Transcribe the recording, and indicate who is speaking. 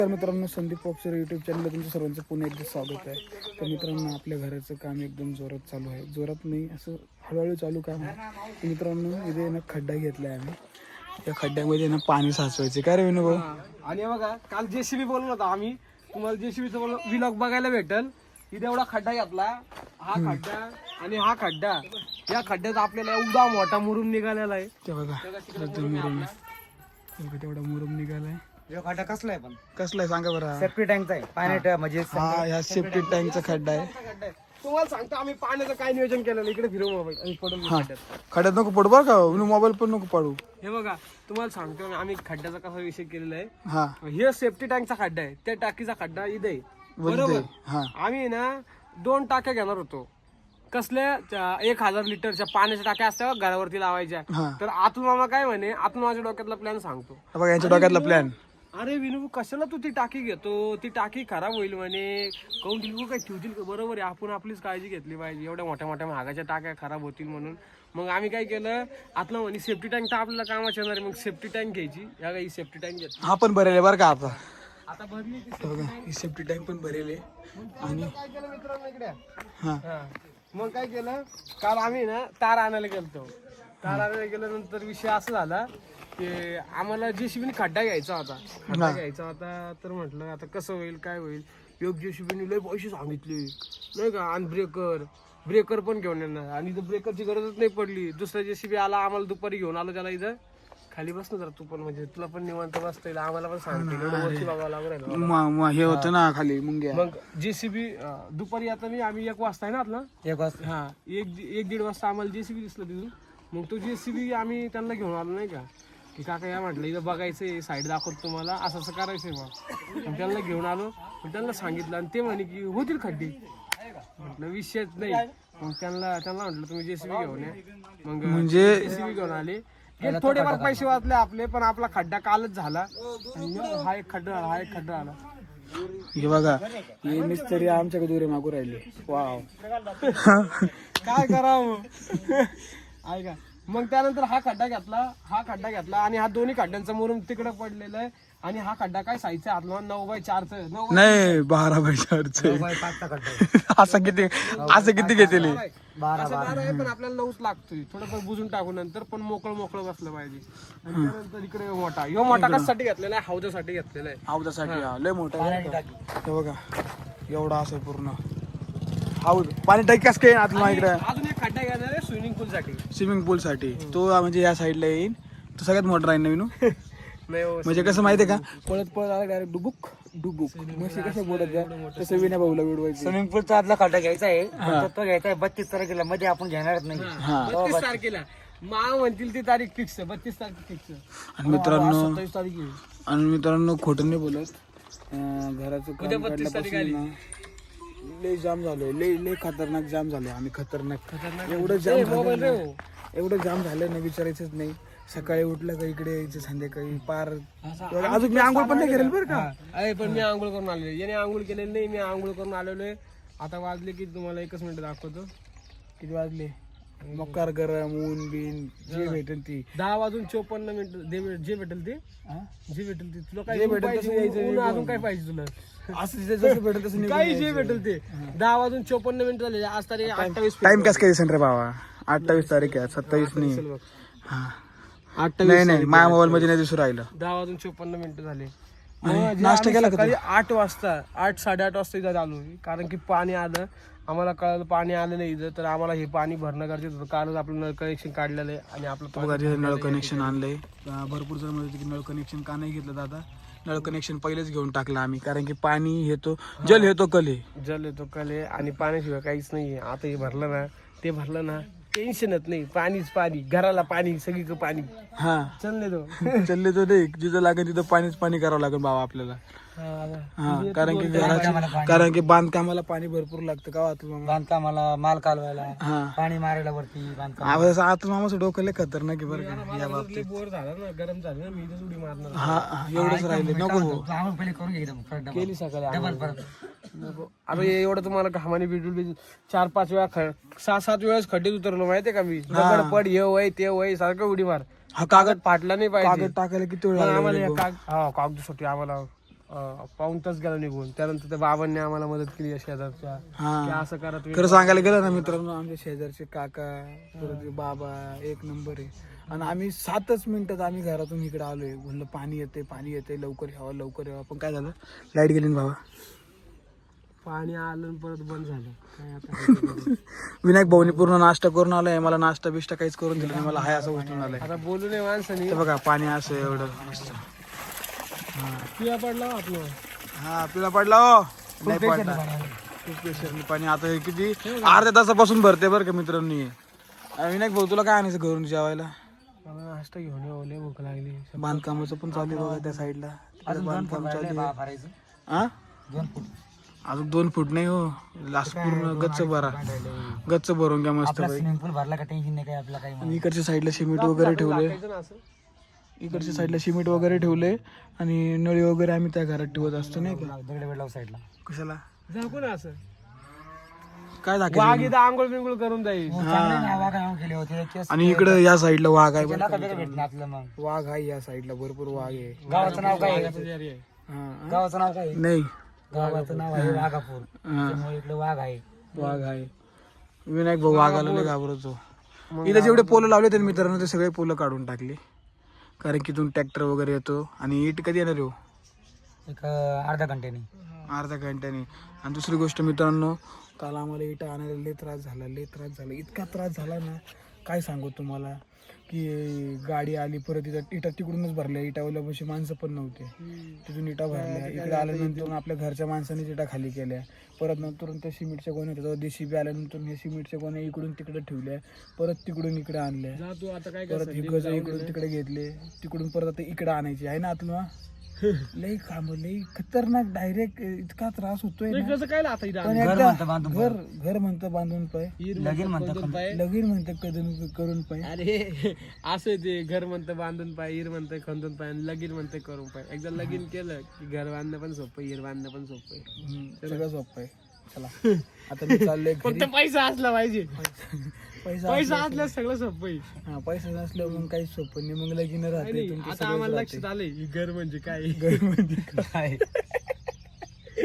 Speaker 1: तर मित्रांनो, संदीप पॉप्सर यूट्यूब चॅनलला तुमचं सर्वांचं पुन्हा एकदा स्वागत आहे. तर मित्रांनो, आपल्या घराचं काम एकदम जोरात चालू आहे. जोरात नाही, असं हळूहळू चालू काम आहे. तर मित्रांनो, इथे ना खड्डा घेतला आहे आम्ही. त्या खड्ड्यामध्ये ना पाणी साचवायचे. काय रे विनू भाऊ?
Speaker 2: आणि बघा, काल जेसीबी बोललो होता आम्ही, तुम्हाला जेसीबीचा व्लॉग बघायला भेटल. इथे एवढा खड्डा घेतला, हा खड्डा आणि हा खड्डा. या खड्ड्यात आपल्याला एवढा मोठा मुरुम निघालेला आहे.
Speaker 1: ते बघा, मुरुम तेवढा मुरुम निघालाय.
Speaker 2: खड्डा कसला आहे? पण
Speaker 1: कसला आहे सांगा बरं.
Speaker 2: सेफ्टी टँकचा आहे, पाण्यात म्हणजे
Speaker 1: ह्या सेफ्टी टँकचा खड्डा आहे.
Speaker 2: तुम्हाला सांगतो आम्ही पाण्याचं काय नियोजन केलेलं. इकडे फिरव मोबाईल आणि पडून
Speaker 1: खड्ड्यात नको पडू बरं का, मोबाईल पण नको पडू.
Speaker 2: हे बघा, तुम्हाला सांगतो ना, आम्ही खड्ड्याचा कसा विषय केलेला आहे.
Speaker 1: हा,
Speaker 2: हे सेफ्टी टँकचा खड्डा आहे, त्या टाकीचा खड्डा इथे आहे. बरोबर.
Speaker 1: हा,
Speaker 2: आम्ही ना 2 टाक्या घेणार होतो. कसल्या? 1000 लिटरच्या पाण्याच्या टाक्या असतात घरावरती लावायच्या.
Speaker 1: हा.
Speaker 2: तर अतुल मामा काय म्हणे, अतुल माझ्या डोक्यातला प्लॅन सांगतो.
Speaker 1: बघा यांच्या डोक्यातला प्लॅन.
Speaker 2: अरे विनू, कशाला तू ती टाकी घेतो? ती टाकी खराब होईल म्हणे. काऊन ठेवू काय ठेवतील का? बरोबर आहे, आपण आपलीच काळजी घेतली पाहिजे. एवढ्या मोठ्या मोठ्या महागाच्या टाक्या खराब होतील म्हणून. मग आम्ही काय केलं, आतलं म्हणे सेफ्टी टँक तर आपल्याला कामाची येणार आहे. मग सेफ्टी टँक घ्यायची. या काही सेफ्टी टँक घेतली.
Speaker 1: हा पण भरेल बरं का आता.
Speaker 2: आता भरली
Speaker 1: बघा, ही सेफ्टी टँक पण भरेल आहे. आणि
Speaker 2: काय केलं मित्रांनो इकडे.
Speaker 1: हा,
Speaker 2: मग काय केलं, काल आम्ही ना तार आणायला गेलतो. तार आणायला गेल्यानंतर विषय असा झाला की आम्हाला जेसीबीने खड्डा घ्यायचा होता. तर म्हटलं आता कसं होईल, काय होईल. योग जेसीबीने लय पैसे सांगितले नाही का. आणि ब्रेकर पण घेऊन येणार. आणि इथं ब्रेकरची गरजच नाही पडली. दुसरा जेसीबी आला, आम्हाला दुपारी घेऊन आलो त्याला. इथं खाली बस ना जरा तू पण, म्हणजे तुला पण निवांत बसता येईल. आम्हाला पण सांगते वरती बघावं लागलं.
Speaker 1: हे होतं ना खाली मुंग्या.
Speaker 2: मग जेसीबी दुपारी आता मी आम्ही 1 वाजता आहे ना आपला 1 वाजता. हा, 1-1:30 वाजता आम्हाला जेसीबी दिसलं तिथून. मग तो जेसीबी आम्ही त्यांना घेऊन आलो नाही का, की काका या म्हटलं इथं बघायचंय, साईड दाखवतो तुम्हाला, असं असं करायचंय. मग त्यांना घेऊन आलो, मग त्यांना सांगितलं आणि ते म्हणे की होतील खड्डे. म्हटलं विषयच नाही. मग त्यांना म्हटलं तुम्ही जेसीबी घेऊन या. मग म्हणजे जेसीबी घेऊन आले. थोडेफार पैसे वाचले आपले, पण आपला खड्डा कालच झाला. हा एक खड्डा आला.
Speaker 1: हे बघा, हे मिस्त्री आमच्याकडे दुरे मागू राहिले. वाव.
Speaker 2: काय करावं. ऐका, मग त्यानंतर हा खड्डा घेतला आणि हा दोन्ही खड्ड्यांचा मुरुम तिकडे पडलेला आहे. आणि हा खड्डा काय साईजचा आहे आपला 9x4
Speaker 1: नाही 12x4 असं किती घेतले?
Speaker 2: 12 आहे, पण आपल्याला 9च लागतोय. थोडंफार बुजून टाकू नंतर, पण मोकळं बसलं पाहिजे. आणि त्यानंतर इकडे मोठा कशासाठी घेतलेला आहे? हौदासाठी घेतलेला आहे.
Speaker 1: हौदासाठी लय मोठा आहे. हे बघा, एवढा असं पूर्ण हौद. पाणी टाकी कसं काय आतला इकडे?
Speaker 2: अजून एक खड्डा घेणार आहे
Speaker 1: स्विमिंग पूल साठी. तो म्हणजे या साईडला येईल. तो सगळ्यात मोठा राहील नवीन. म्हणजे कसं माहितीये का, पळत आला डायरेक्ट डुबुक मशी कसं बोलत तसं विना भाऊला उडवायचं.
Speaker 3: स्विमिंग पूलचा आतला खड्डा घ्यायचा आहे. तो घ्यायचा आहे 32 तारखेला. मध्ये आपण घेणारच नाही.
Speaker 2: 32 तारखेला मा म्हणतील ती तारीख फिक्स आहे. 32 तारीख फिक्स.
Speaker 1: आणि मित्रांनो
Speaker 2: 27 तारीख आहे.
Speaker 1: खोटं नाही बोलत. घराचं काम काढल्यापासून लय जाम झालोय. लय खतरनाक जाम झालोय आम्ही. खतरनाक एवढं जाम झालं ना, विचारायचंच नाही. सकाळी उठलं का इकडे यायचं, संध्याकाळी पार. अजून मी आंघोळ पण नाही करेल बरं का.
Speaker 2: पण मी आंघोळ करून आलेलो. याने आंघोळ केलेली नाही, मी आंघोळ करून आलेलो आहे. आता वाजले की तुम्हाला 1 मिनिट दाखवतो किती वाजले.
Speaker 1: मकार गरम ऊन बिन जे भेटेल ती
Speaker 2: 10:54 जे भेटेल ते तुला काय भेटेल अजून काय पाहिजे तुला?
Speaker 1: असं जसं भेटेल तसं
Speaker 2: काही जे भेटेल ते. 10:54 झाले. आज तारीख 28.
Speaker 1: टाइम कसं काय रे बाबा? 28 तारीख आहे, 27 नाही. हा,
Speaker 2: 28
Speaker 1: नाही माझ्या मोबाईल मध्ये नाही दिसू राहिलं.
Speaker 2: 10:54 झाले.
Speaker 1: नाश्ता केला का?
Speaker 2: सकाळी 8 वाजता 8-8:30 वाजता इथं आलो. कारण की पाणी आलं, आम्हाला कळलं पाणी आलं नाही इथं. तर आम्हाला हे पाणी भरणं गरजेचं होतं. कालच आपलं नळ कनेक्शन काढलेलं आहे आणि आपलं
Speaker 1: नळ कनेक्शन आणलंय. भरपूर जण म्हणते की नळ कनेक्शन का नाही घेतलं दादा. नळ कनेक्शन पहिलेच घेऊन टाकलं आम्ही, कारण की पाणी येतो, जल येतो कले आणि पाण्याशिवाय काहीच नाही. आता हे भरलं ना टेन्शनच नाही. पाणीच पाणी, घराला पाणी, सगळीकडे पाणी. हा,
Speaker 2: चालले तो
Speaker 1: नाही. जिथं लागेल तिथं पाणी करावं लागेल बाबा आपल्याला. हा, कारण की बांधकामाला पाणी भरपूर लागतं का तुम्हाला?
Speaker 3: बांधकामाला, माल कालवायला, पाणी मारायला वरती बांधकाम.
Speaker 1: आता मामाचं डोकं लय खतरनाक आहे बरं का या बाबतीत.
Speaker 2: बोर झाला ना, गरम झालं ना, मी इथं उडी मारणार.
Speaker 1: हा, एवढंच राहिले. नको
Speaker 3: आम्हाला पहिले करून घ्यायचं
Speaker 2: केली सकाळी. आता एवढं तुम्हाला घामाने बिडून 4-5 वेळा 6-7 वेळेस खड्डे उतरलो माहितीये का मी. दगड पड, हे वय ते वय, सारखं उडी मार.
Speaker 1: हा, कागद
Speaker 2: फाटला नाही पाहिजे.
Speaker 1: कागद टाकायला किती वेळ
Speaker 2: आम्हाला कागदासाठी आम्हाला पाऊण तास गेला निघून. त्यानंतर त्या बाबांनी आम्हाला मदत केली शेजारच्या, की
Speaker 1: हा
Speaker 2: असं करा तुम्ही.
Speaker 1: खरं सांगायला गेलं ना मित्रांनो, आमच्या शेजारचे काका परत बाबा एक नंबर आहे. आणि आम्ही 7च मिनिटात आम्ही घरातून इकडे आलोय. म्हणलं पाणी येते लवकर यावं. पण काय झालं, लाईट गेली ना बाबा.
Speaker 2: पाणी आलं आणि परत बंद झालं. काय आता
Speaker 1: विनायक भाऊनी पूर्ण नाश्ता करून आलाय. मला नाश्ता बिष्टा काहीच करून दिलं नाही. मला हाय असं उठून आलंय.
Speaker 2: आता बोलू नये माणसाने.
Speaker 1: ते बघा पाणी असं एवढं मस्त.
Speaker 2: पिया पडला आपलं.
Speaker 1: हा पिला पडला हो. नाही पडला. खूप प्रेशरने पाणी. आता हे किती अर्ध्या तासापासून भरते बरं का मित्रांनी. विनायक भाऊ तुला काय आणायचं घरून जेवायला?
Speaker 2: मला नाश्ता घेऊन येऊ, लय भूक लागली.
Speaker 1: बांधकामाचं पण चालू आहे बघा त्या साईडला.
Speaker 3: अजून 2
Speaker 1: बांधकाम
Speaker 3: फूट
Speaker 1: चालू
Speaker 3: राहिले
Speaker 1: आहे.
Speaker 3: भरायचं.
Speaker 1: हा
Speaker 3: 2 फूट
Speaker 1: अजून 2 फूट नाही हो. लास्ट पूर्ण गच्च भरा. गच्च भरून घ्या मस्त
Speaker 3: आपला
Speaker 1: पैकी.
Speaker 3: स्विमिंग पूल भरला का टेन्शन नाही काय आपला काही.
Speaker 1: आणि इकडच्या साईडला सिमेंट वगैरे ठेवले.
Speaker 2: टाकायचं ना असं.
Speaker 1: इकडच्या साईडला सिमेंट वगैरे ठेवले. आणि नळी वगैरे आम्ही त्या घरात ठेवत असतो नाही का.
Speaker 3: दगड बेड लाव साईडला.
Speaker 1: कशाला
Speaker 2: झाकू ना असं.
Speaker 1: काय
Speaker 2: वाघ
Speaker 1: दाखवायचं.
Speaker 2: इथं आंघोळ बिंघोळ करून जाईल.
Speaker 3: चांगले नावा काय केले होते केस
Speaker 1: आणि इकडे या साईडला वाघ आहे बरं
Speaker 3: नका
Speaker 1: का.
Speaker 3: वेगळं भेटलं आपलं. मग
Speaker 1: वाघ आहे या साईडला, भरपूर वाघ आहे.
Speaker 3: गावाचं नाव काय आहे?
Speaker 1: हा.
Speaker 3: गावाचं नाव काय आहे?
Speaker 1: नाही
Speaker 3: गावाचं नाव आहे वाघापूर.
Speaker 1: हा.
Speaker 3: त्यामुळे इकडे वाघ आहे.
Speaker 1: वाघ आहे. विनायक भाऊ वाघाला लय घाबरतो. इथं जेवढे पोलं लावले ते मित्रांनो ते सगळे पोलं काढून टाकले. कारण की इथून ट्रॅक्टर वगैरे येतो. आणि इट कधी येणार हो?
Speaker 3: एक अर्धा घंट्याने.
Speaker 1: अर्ध्या घंट्याने. आणि दुसरी गोष्ट मित्रांनो, काल आम्हाला इटा आणायला लय त्रास झाला. इतका त्रास झाला ना काय सांगू तुम्हाला, की गाडी आली परत इटा तिकडूनच भरल्या. इटावाल्या बशी माणसं पण नव्हते. तिथून इटा भरल्या. इकडे आल्यानंतर आपल्या घरच्या माणसांनीच इटा खाली केल्या. परत नंतर त्या सिमेंटच्या गोण्या होत्या, JCB आल्यानंतर हे सिमेंटच्या गोण्या इकडून तिकडे ठेवल्या. परत तिकडून इकडे आणल्या.
Speaker 2: जा तू आता काय
Speaker 1: परत हे गज इकडून तिकडे घेतले. तिकडून परत आता इकडे आणायचे आहे ना आतलं. लई काम लई खतरनाक. डायरेक्ट इतका त्रास होतोय ना.
Speaker 2: कसं काय आता इथं
Speaker 1: पण
Speaker 3: घर
Speaker 1: एकदा
Speaker 3: म्हणतं बांधून
Speaker 1: घर म्हणतं बांधून पाय.
Speaker 3: लगीन म्हणतं
Speaker 1: लगीन म्हणतं करून पाय.
Speaker 2: अरे असं ते घर म्हणतं बांधून पाय, इर म्हणतं खंदून पाय, आणि लगीन म्हणतं करून पाय. एकदा लगीन केलं की घर बांधणं पण सोपं, इर बांधणं पण सोपं.
Speaker 1: सगळं सोपं आहे. चला आता मी चाललोय घरी.
Speaker 2: फक्त पैसा असला पाहिजे. पैसा
Speaker 1: असला-
Speaker 2: असल्यास सगळं सोपं आहे.
Speaker 1: हा पैसा नसल्यावर मग काहीच सोपं नाही. मग लगीन राहते.
Speaker 2: आणि
Speaker 1: तुमचं
Speaker 2: आता
Speaker 1: सगळंच
Speaker 2: आम्हाला
Speaker 1: राहते.
Speaker 2: लक्षात आलंय की घर म्हणजे काय.
Speaker 1: घर म्हणजे
Speaker 3: काय